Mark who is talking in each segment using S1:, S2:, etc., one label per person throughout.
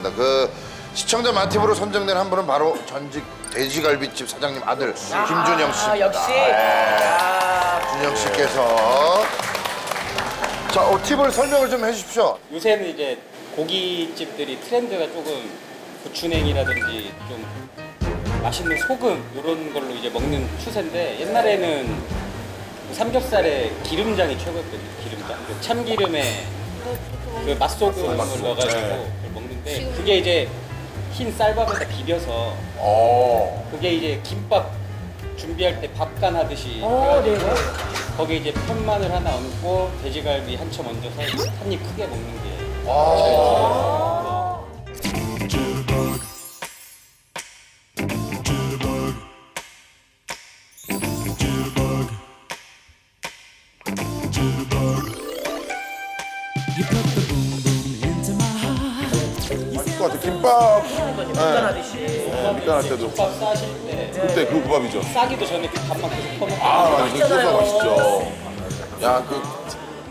S1: 알겠습니다. 그 시청자 맛팁으로 선정된 한 분은 바로 전직 돼지갈비집 사장님 아들 김준영 씨입니다.
S2: 역시.
S1: 준영 씨께서 자, 팁을 설명을 좀 해주십시오.
S3: 요새는 이제 고깃집들이 트렌드가 조금 고추냉이라든지 좀 맛있는 소금 이런 걸로 이제 먹는 추세인데 옛날에는 삼겹살에 기름장이 최고였거든요. 기름장. 그 참기름에 그 맛소금을 넣어가지고 그걸 먹는데 그게 이제 흰 쌀밥에다 비벼서 그게 이제 김밥 준비할 때 밥간 하듯이 해가지고 거기에 이제 편마늘 하나 얹고 돼지갈비 한 점 얹어서 한 입 크게 먹는 게
S4: 맛있을 것 같아. 김밥
S2: 간단하듯이.
S4: 밑간할 때도
S3: 김밥 싸실 때
S4: 그때 그 국밥이죠.
S3: 싸기도 전에 그 밥만 계속 퍼먹고
S4: 아 맞아. 그 국밥 맛있죠. 야 그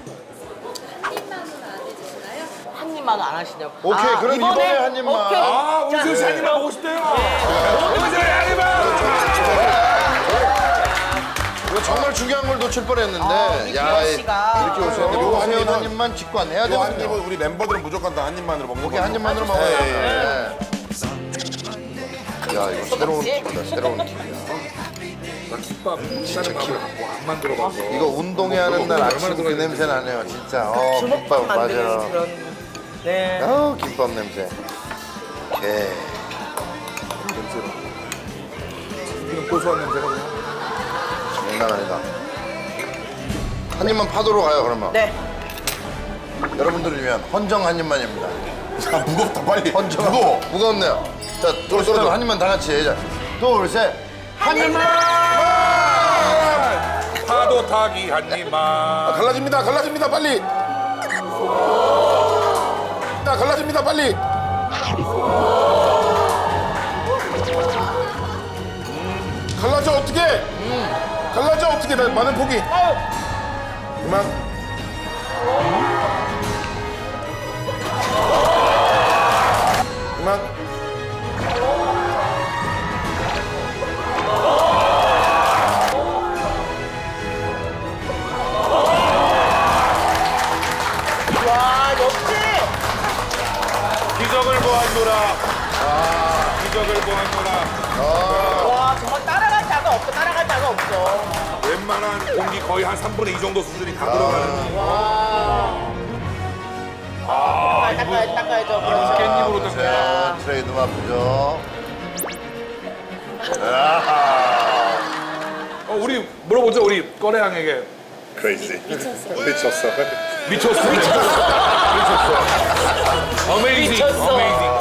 S2: 한 입만 안 하시냐고.
S1: 오케이, 그럼 이번에 한 입만.
S2: 오케이.
S4: 우리 지우 씨 한 입만 먹고 싶대요. 우리 지우 한 입만.
S1: 이거 정말 중요한 걸 놓칠 뻔했는데
S2: 우리 기영 씨가.
S1: 이렇게 오셨는데
S4: 요거
S1: 요거
S4: 한
S1: 세운
S4: 입은-
S1: 한 입만 직관해야
S4: 이거 한
S1: 되거든요.
S4: 입은 우리 멤버들은 무조건 다 한 입만으로 먹는
S1: 오케이,
S4: 거.
S1: 한 입만으로 먹어야 돼. 야, 이거 새로운 팁이다, 새로운 팁이야.
S5: 김밥 다른 밥을 갖고 안 만들어봐서
S1: 이거 운동회하는 날 아침 그 냄새 나네요, 진짜.
S2: 주먹밥
S1: 김밥
S2: 만드는
S1: 맞아.
S2: 그런. 네.
S1: 김밥 냄새. 오케이.
S5: 이런 고소한 냄새가 그냥
S1: 장난 아니다. 한 입만 파도록 가요, 그러면.
S2: 네.
S1: 여러분들을 위한 헌정 한 입만입니다.
S4: 야 무겁다 빨리.
S1: 헌정.
S4: 무거워.
S1: 무겁네요. 자, 떨어져. 한 입만 다 같이. 자, 둘, 셋. 한 입만!
S5: 파도 타기 한 입만
S4: 갈라집니다. 갈라집니다 빨리. 갈라집니다 빨리. 갈라져 어떻게? 갈라져 어떻게? 나 많은 포기. 그만. 그만.
S2: 와, 역시.
S5: 기적을 보았노라 기적을 보았노라
S2: 와, 정말 따라갈 자가 없어. 따라갈 자가 없어.
S5: 웬만한 공기 거의 한 3분의 2 정도 수준이 다 들어가는
S2: 닦아야죠. 그렇죠.
S5: 깻잎으로 딱
S1: 자, 트레이드 마프죠.
S5: 우리 물어보죠 우리 꺼레양에게
S6: Crazy. 미쳤어.
S5: 미쳤어 미쳤어 어메이징
S2: 미쳤어.
S5: 어메이징